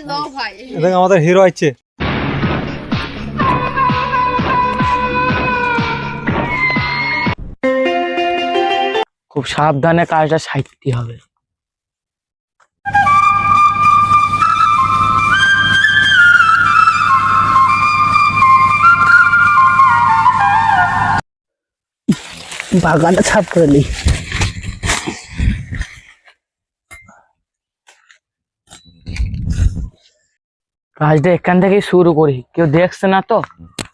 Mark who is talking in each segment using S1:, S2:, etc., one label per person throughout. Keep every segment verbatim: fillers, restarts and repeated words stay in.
S1: দেখ আমাদের হিরো আছে।
S2: খুব সাবধানে কাজটা সাইতে হবে। বাগানটা ছাপ করে নি। কাজটা এখান থেকে শুরু করি, কেউ দেখছে না তো।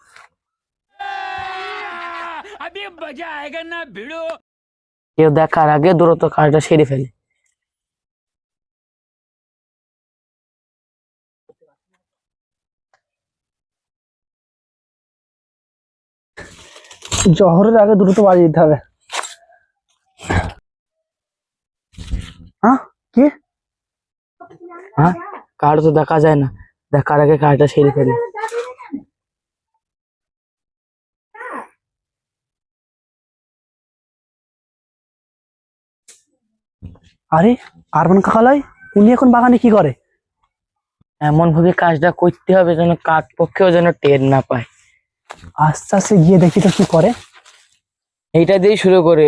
S2: কেউ দেখার আগে দ্রুত কাজটা সেরে ফেলে। জহরের আগে দ্রুত বাড়ি দিতে হবে। হ্যাঁ কি হ্যাঁ কার্ড তো দেখা যায় না, দেখার আগে কাজটা সেরে ফেলে। আরে আরমান কাকালাই, উনি এখন বাগানে কি করে? এমন ভাবে কাজটা করতে হবে যেন কাক পক্ষেও যেন টের না পায়। আস্তে আস্তে গিয়ে দেখি তো কি করে। এইটা দিয়ে শুরু করে।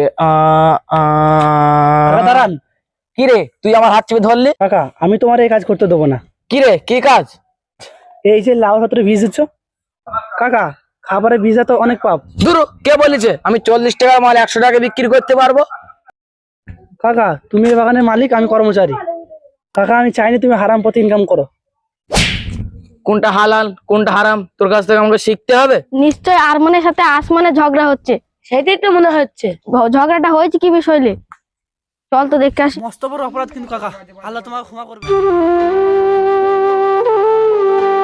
S2: দাঁড়ান, কি রে তুই আমার হাত চেপে ধরলি? কাকা আমি তোমার এই কাজ করতে দেবো না। কি রে কি কাজ? এই যে লাউ পাত্রে বীজ দিচ্ছ কাকা, খাবারের বীজা তো অনেক পাপ। দূর, কে বলেছে আমি চল্লিশ টাকার মাল একশো টাকা বিক্রি করতে পারবো? কাকা তুমি এই বাগানের মালিক, আমি কর্মচারী। কাকা আমি চাইনি তুমি হারাম পথে ইনকাম করো। কোনটা হালাল কোনটা হারাম তোর কাছ থেকে আমাকে শিখতে হবে।
S3: নিশ্চয় আরমানের সাথে আসমানের ঝগড়া হচ্ছে,
S2: সেটাই তো মনে হচ্ছে।
S3: ভ- ঝগড়াটা হয়েছে কি বিষয় নিয়ে? চল তো দেখতে আসি।
S4: মস্ত বড় অপরাধ কিন্তু কাকা, আল্লাহ তোমাকে ক্ষমা করবে।